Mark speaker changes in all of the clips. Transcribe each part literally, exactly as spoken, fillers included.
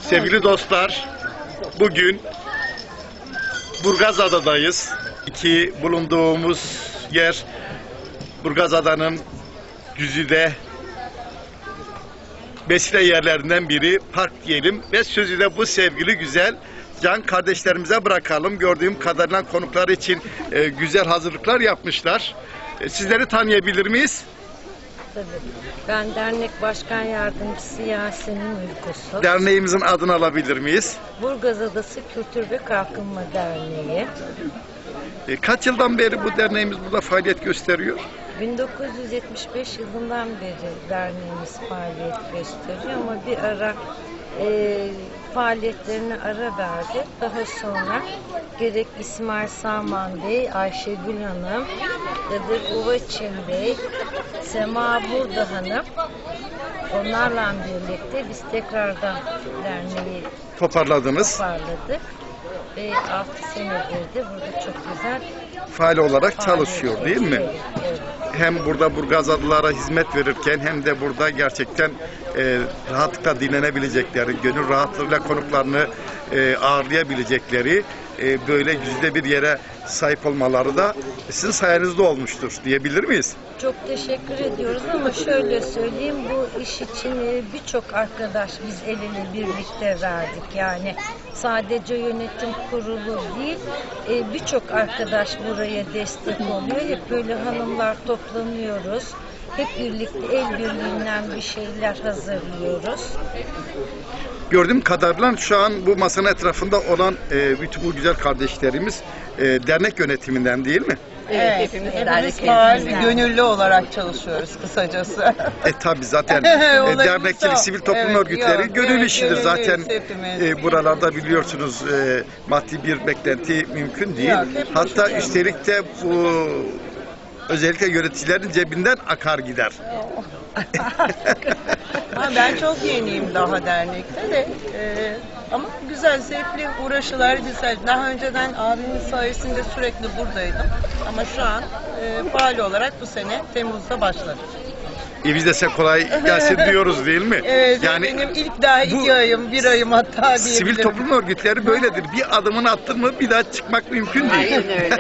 Speaker 1: Sevgili dostlar, bugün Burgazada'dayız. İki bulunduğumuz yer Burgazada'nın güzide besile yerlerinden biri, park diyelim ve sözü de bu sevgili güzel can kardeşlerimize bırakalım. Gördüğüm kadarıyla konuklar için e, güzel hazırlıklar yapmışlar. E, sizleri tanıyabilir miyiz?
Speaker 2: Tabii. Ben dernek başkan yardımcısı Yasemin Uykusu.
Speaker 1: Derneğimizin adını alabilir miyiz?
Speaker 2: Burgaz Adası Kültür ve Kalkınma Derneği.
Speaker 1: E, kaç yıldan beri bu derneğimiz burada faaliyet gösteriyor?
Speaker 2: bin dokuz yüz yetmiş beş yılından beri derneğimiz faaliyet gösteriyor ama bir ara e, faaliyetlerine ara verdi. Daha sonra gerek İsmail Saman Bey, Ayşegül Hanım, Kadir Uvaçin Bey, Sema Burda Hanım, onlarla birlikte biz tekrardan derneği
Speaker 1: Toparladınız.
Speaker 2: toparladık. Ve altı senedir de burada çok güzel
Speaker 1: Faal olarak
Speaker 2: faaliyet
Speaker 1: çalışıyor değil mi?
Speaker 2: gösteriyor. Evet.
Speaker 1: Hem burada Burgazadlılara hizmet verirken hem de burada gerçekten e, rahatlıkla dinlenebilecekleri, gönül rahatlığıyla konuklarını e, ağırlayabilecekleri e, böyle güzide bir yere sahip olmaları da sizin sayenizde olmuştur diyebilir miyiz?
Speaker 2: Çok teşekkür ediyoruz ama şöyle söyleyeyim, bu iş için e, birçok arkadaş biz el ele birlikte verdik. Yani sadece yönetim kurulu değil, e, birçok arkadaş buraya destek oluyor. Hep böyle hanımlar toplanıyoruz. Hep birlikte el birliğinden bir şeyler hazırlıyoruz.
Speaker 1: Gördüğüm kadarıyla şu an bu masanın etrafında olan e, bütün bu güzel kardeşlerimiz e, dernek yönetiminden değil mi?
Speaker 3: Evet,
Speaker 2: hepimiz
Speaker 3: hepimiz
Speaker 2: dernek
Speaker 3: faal,
Speaker 2: yönetimden.
Speaker 3: gönüllü olarak çalışıyoruz kısacası.
Speaker 1: E tabi zaten e,
Speaker 3: Olabilirse
Speaker 1: dernekçilik,
Speaker 3: o.
Speaker 1: sivil toplum
Speaker 3: Evet,
Speaker 1: örgütleri
Speaker 3: yok,
Speaker 1: gönül
Speaker 3: evet,
Speaker 1: işidir.
Speaker 3: gönüllüyüz
Speaker 1: Zaten
Speaker 3: hepimiz.
Speaker 1: e, buralarda biliyorsunuz e, maddi bir beklenti mümkün değil.
Speaker 3: Yok, hep
Speaker 1: Hatta
Speaker 3: düşünüyoruz.
Speaker 1: üstelik de bu özellikle yöneticilerin cebinden akar gider.
Speaker 3: Ha, ben çok yeniyim daha dernekte de. e, ama güzel, zevkli, uğraşılar güzel. Daha önceden abimin sayesinde sürekli buradaydım. Ama şu an e, faal olarak bu sene Temmuz'da başladım.
Speaker 1: E biz de size kolay gelsin diyoruz değil mi?
Speaker 3: Evet,
Speaker 1: Yani
Speaker 3: benim ilk daha iki
Speaker 1: bu
Speaker 3: ayım, bir ayım hatta diyebilirim.
Speaker 1: sivil toplum örgütleri böyledir. Bir adımını attın mı bir daha çıkmak mümkün değil.
Speaker 4: Aynen öyle.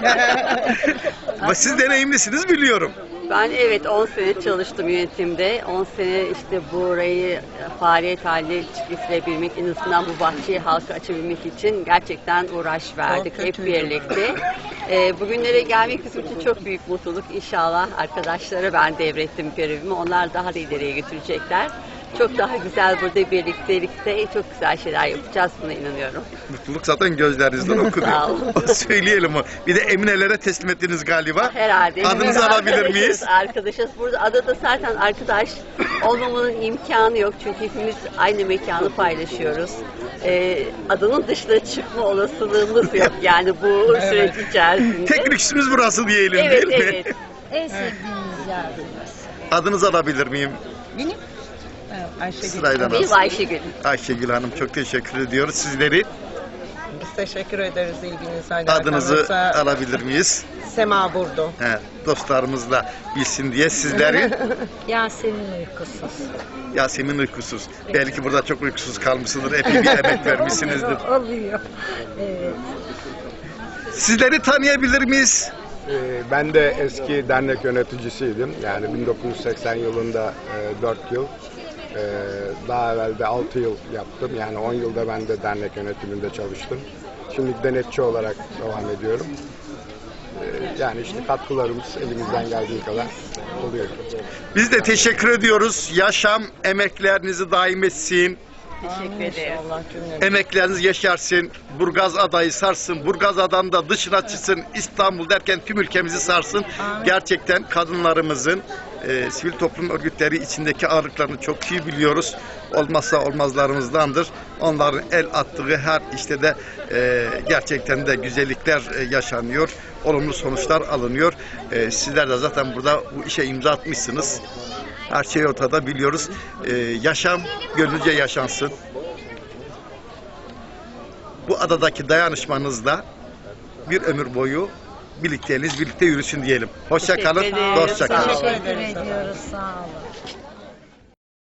Speaker 1: Ama siz deneyimlisiniz biliyorum.
Speaker 4: Ben evet on sene çalıştım yönetimde. on sene işte burayı faaliyet haline getirebilmek, en azından bu bahçeyi halka açabilmek için gerçekten uğraş verdik
Speaker 3: Çok
Speaker 4: hep
Speaker 3: kötüydü.
Speaker 4: birlikte. Ee, bugünlere gelmek bizim için çok büyük mutluluk. İnşallah arkadaşlara ben devrettim görevimi. Onlar daha da ileriye götürecekler. Çok daha güzel burada birliktelikte çok güzel şeyler yapacağız, buna inanıyorum.
Speaker 1: Mutluluk zaten gözlerinizden okunuyor.
Speaker 4: Sağ olun.
Speaker 1: Söyleyelim o. Bir de Eminelere teslim ettiniz galiba.
Speaker 4: Herhalde.
Speaker 1: Adınızı
Speaker 4: Biz
Speaker 1: alabilir
Speaker 4: arkadaşız,
Speaker 1: miyiz?
Speaker 4: Arkadaşız. Burada adada zaten arkadaş olmamızın imkanı yok. Çünkü hepimiz aynı mekanı paylaşıyoruz. Ee, adanın dışına çıkma olasılığımız yok. Yani bu süreç içerisinde.
Speaker 1: Tek lüksümüz burası diyelim
Speaker 4: Evet,
Speaker 1: değil mi?
Speaker 4: evet.
Speaker 2: En sevdiğimiz yer burası.
Speaker 1: Adınızı alabilir miyim?
Speaker 3: Benim? Evet, Ayşegül.
Speaker 1: Sırayla
Speaker 4: Biz
Speaker 1: nasıl?
Speaker 4: Ayşegül.
Speaker 1: Ayşegül Hanım çok teşekkür ediyoruz. Sizleri
Speaker 3: Biz teşekkür ederiz ilginize.
Speaker 1: adınızı
Speaker 3: alakanıza.
Speaker 1: alabilir miyiz?
Speaker 3: Sema Burdu.
Speaker 1: He, dostlarımız da bilsin diye sizleri
Speaker 2: Yasemin Uykusuz.
Speaker 1: Yasemin uykusuz. Belki burada çok uykusuz kalmışsındır. Epey bir emek vermişsinizdir.
Speaker 2: Oluyor. Evet.
Speaker 1: Sizleri tanıyabilir miyiz?
Speaker 5: Ee, Ben de eski dernek yöneticisiydim. Yani bin dokuz yüz seksen yılında e, dört yıl, e, daha evvel de altı yıl yaptım. Yani on yılda ben de dernek yönetiminde çalıştım. Şimdi denetçi olarak devam ediyorum. E, Yani işte katkılarımız elimizden geldiği kadar oluyor.
Speaker 1: Biz de teşekkür ediyoruz. Yaşam emeklerinizi daim etsin.
Speaker 4: Teşekkür ederim.
Speaker 3: Allah cümlemize.
Speaker 1: Emekleriniz yaşarsın. Burgaz adayı sarsın. Burgaz adan da dışına çıksın. İstanbul derken tüm ülkemizi sarsın. Gerçekten kadınlarımızın e, sivil toplum örgütleri içindeki ağırlıklarını çok iyi biliyoruz. Olmazsa olmazlarımızdandır. Onların el attığı her işte de e, gerçekten de güzellikler e, yaşanıyor. Olumlu sonuçlar alınıyor. E, sizler de zaten burada bu işe imza atmışsınız. Her şey ortada biliyoruz. Ee, yaşam gönlünce yaşansın. Bu adadaki dayanışmanızla bir ömür boyu birlikteliğiniz birlikte yürüsün diyelim. Hoşça kalın,
Speaker 4: Teşekkür ederim.
Speaker 1: dostça kalın.
Speaker 4: Sağ olun.
Speaker 2: Teşekkür ediyoruz. Sağ olun.